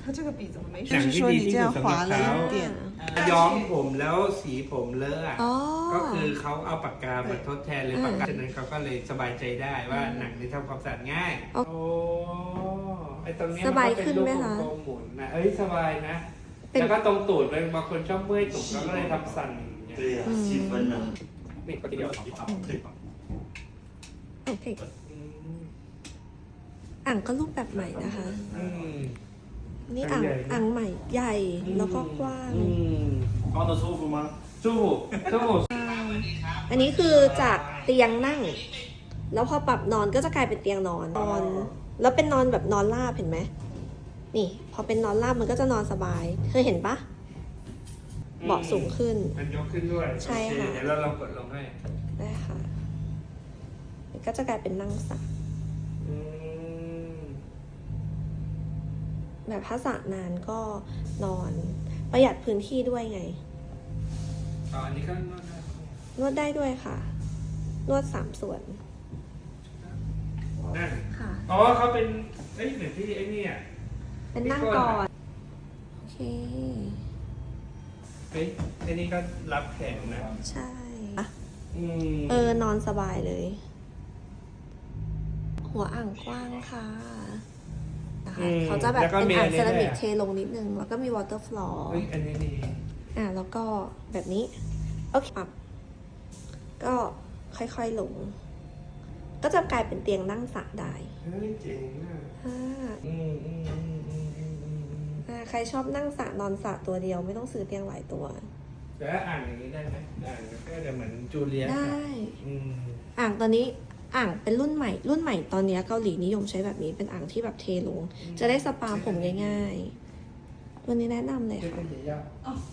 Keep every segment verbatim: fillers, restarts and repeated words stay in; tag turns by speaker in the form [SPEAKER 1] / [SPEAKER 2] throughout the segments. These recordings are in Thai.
[SPEAKER 1] 它这个笔怎么没
[SPEAKER 2] หนั
[SPEAKER 1] 水？
[SPEAKER 2] ง
[SPEAKER 1] 是
[SPEAKER 2] ที่
[SPEAKER 1] 说
[SPEAKER 2] ดี
[SPEAKER 1] 你
[SPEAKER 2] ที่
[SPEAKER 1] 这
[SPEAKER 2] สุ
[SPEAKER 1] 样
[SPEAKER 2] ดสำหรับ
[SPEAKER 1] 划了
[SPEAKER 2] เขา
[SPEAKER 1] 一点。
[SPEAKER 2] ย้อมผมแล้วสีผมเลอะอะ
[SPEAKER 3] อ๋อ
[SPEAKER 2] ก็คือเขาเอาปากกามาทดแทนเลยปากกาฉะนั้นเขาก็เลยสบายใจได้ว่าหนังนี่ทำความสะอาดง่าย
[SPEAKER 3] อ๋อ
[SPEAKER 2] โอ้ไอตรงเนี้ย
[SPEAKER 3] ส
[SPEAKER 2] มัน
[SPEAKER 3] บาย
[SPEAKER 2] ก็เป็
[SPEAKER 3] ขึ้
[SPEAKER 2] น
[SPEAKER 3] น
[SPEAKER 2] รูป
[SPEAKER 3] ไหม
[SPEAKER 2] วง
[SPEAKER 3] คะ
[SPEAKER 2] กลมหมุนนะเอ้ยสบายนะ
[SPEAKER 3] เป็น
[SPEAKER 2] แล้วก็ตรงตูดเลยบางคนชอบเมื่อยตุ่มเขาก็เลยทำสั่นอย่างเงี้ย
[SPEAKER 4] 对呀、细分呢。
[SPEAKER 2] นี่ก็เดียว
[SPEAKER 3] โอเค
[SPEAKER 2] อืม
[SPEAKER 3] อ่างก็รูปแบบใหม่นะคะ
[SPEAKER 2] อืม
[SPEAKER 3] นี่อ่าง
[SPEAKER 2] ใหญ่นะ
[SPEAKER 3] อ่างใหม่ใหญ่แล้วก็กว้าง
[SPEAKER 2] อืม
[SPEAKER 4] 放的舒服吗？
[SPEAKER 2] สู้สู้
[SPEAKER 3] อันนี้คือจากเตียงนั่ง แล้วพอปรับนอนก็จะกลายเป็นเตียงนอนนอน แล้วเป็นนอนแบบนอนราบเห็นไหมนี่ พอเป็นนอนราบมันก็จะนอนสบายเคยเห็นปะเบาะสูงขึ้น
[SPEAKER 2] มันยกขึ้นด้วย
[SPEAKER 3] ใช่ค่ะ
[SPEAKER 2] โอเเดี๋ยวเราลองกดลงให้
[SPEAKER 3] ได้ค่ะมันก็จะกลายเป็นนั่งสระ
[SPEAKER 2] อืม
[SPEAKER 3] แบบถ้าสระนานก็นอน ประหยัดพื้นที่ด้วยไง
[SPEAKER 2] อ๋ออันนี้ก็นวดได้
[SPEAKER 3] นวดได้ด้วยค่ะ นวดสามส่วน
[SPEAKER 2] นั่น
[SPEAKER 3] ค่ะ
[SPEAKER 2] อ๋อเขาเป็นเอ้ยเหมือนที่ไอ้นี่อ่ะ
[SPEAKER 3] เป็นนั่งก่อน โอเค
[SPEAKER 2] เฮ้ยไอ้นี่ก็รับแขนนะ
[SPEAKER 3] ใช่
[SPEAKER 2] อืม
[SPEAKER 3] เออนอนสบายเลย หัวอ่างกว้างค่ะนะคะ
[SPEAKER 2] อืม
[SPEAKER 3] เขาจะแบบ
[SPEAKER 2] ล้วก็
[SPEAKER 3] เป็น
[SPEAKER 2] มี
[SPEAKER 3] อ่าง
[SPEAKER 2] น
[SPEAKER 3] เซ
[SPEAKER 2] นี้
[SPEAKER 3] รามิก
[SPEAKER 2] ด้วย
[SPEAKER 3] เทลงนิดนึง แล้วก็มีวอเตอร์ฟลอร์
[SPEAKER 2] เฮ้ยอันนี้ดี
[SPEAKER 3] อ่าแล้วก็แบบนี้ โอเคปรับก็ค่อยๆลง ก็จะกลายเป็นเตียงนั่งสระได้
[SPEAKER 2] เฮ้ยเจ๋งอ่ะ
[SPEAKER 3] อ่า
[SPEAKER 2] อืมอืมอืมอืมอืมอืมอืม
[SPEAKER 3] อ่าใครชอบนั่งสระนอนสระตัวเดียวไม่ต้องซื้อเตียงหลายตัว
[SPEAKER 2] แล้วอ่านอย่างนี้ได้ไหมอ่านก็จะเหมือนจูเลียส
[SPEAKER 3] ได้
[SPEAKER 2] อะอืม
[SPEAKER 3] อ่างตอนนี้อ่างเป็นรุ่นใหม่ รุ่นใหม่ตอนนี้เกาหลีนิยมใช้แบบนี้เป็นอ่างที่แบบเทลง จะได้สปาผมง่ายๆ ตัวนี้แนะนำเลย
[SPEAKER 2] เจ๊
[SPEAKER 3] ค่ะ
[SPEAKER 2] เป็นยากอืม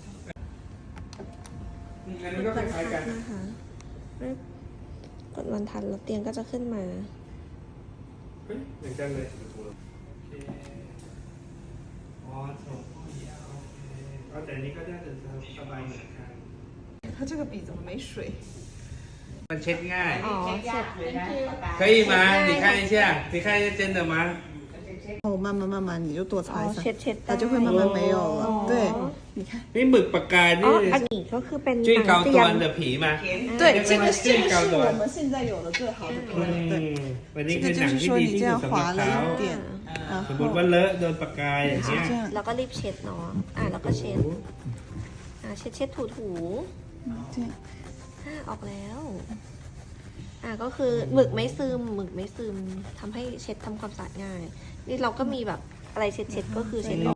[SPEAKER 2] อันนี้ก็คล้ายๆกัน
[SPEAKER 3] นะคะกดวันทันแล้วเตียงก็จะขึ้นมา
[SPEAKER 2] เฮ้ยเหมือนกันเลยโอเคอ๋อส่งข้อยาวโอเคเอาแต่อันนี้ก็ได้แต่สบายเหมือนกัน
[SPEAKER 1] 它这个笔怎么没水？
[SPEAKER 2] มันเช็ดง่าย
[SPEAKER 3] อ๋อเสร็จ
[SPEAKER 2] 可以吗？你看一下，你看一下真的吗？
[SPEAKER 1] 然后慢慢慢慢你就多
[SPEAKER 3] อ๋
[SPEAKER 1] 擦
[SPEAKER 3] อ
[SPEAKER 1] 一下
[SPEAKER 3] เช็ด，เช็ด
[SPEAKER 1] 它就会慢慢没有了。对，你看，
[SPEAKER 2] นี่หมึกปากกา
[SPEAKER 3] อ๋อ
[SPEAKER 2] นี่
[SPEAKER 3] อันนี้ก็คือเป็น
[SPEAKER 2] จุ้ยเกา
[SPEAKER 3] เตี
[SPEAKER 2] ตั
[SPEAKER 3] ยว ง
[SPEAKER 2] เดอะผีมา
[SPEAKER 1] 对，这个这个是我们现在有的最好的笔。
[SPEAKER 2] อืม
[SPEAKER 1] 对，
[SPEAKER 2] วันนี้
[SPEAKER 1] 这
[SPEAKER 2] คือ
[SPEAKER 1] 个
[SPEAKER 2] หนั
[SPEAKER 1] 就
[SPEAKER 2] ง
[SPEAKER 1] 是
[SPEAKER 2] ที่
[SPEAKER 1] 说
[SPEAKER 2] ดี
[SPEAKER 1] 你
[SPEAKER 2] ที่
[SPEAKER 1] 这
[SPEAKER 2] สุด
[SPEAKER 1] 样
[SPEAKER 2] สำหรับ
[SPEAKER 1] 划了
[SPEAKER 2] เขา
[SPEAKER 1] 一点，然
[SPEAKER 2] สมมติ
[SPEAKER 1] 后
[SPEAKER 2] ว่าเลอะโดนปากกาอย่างเงี้ย
[SPEAKER 1] 这样，
[SPEAKER 3] แล้วก็รีบเช็ดเนาะอ่าแล้วก็เช็ดอ่าเช็ดเช็ดถูถู
[SPEAKER 1] 这样。
[SPEAKER 3] อ่าออกแล้ว อ่าก็คือหมึกไม่ซึมหมึกไม่ซึมทำให้เช็ดทำความสะอาดง่าย นี่เราก็มีแบบอะไรเช็ดเช็ดก็คือเช็ดออก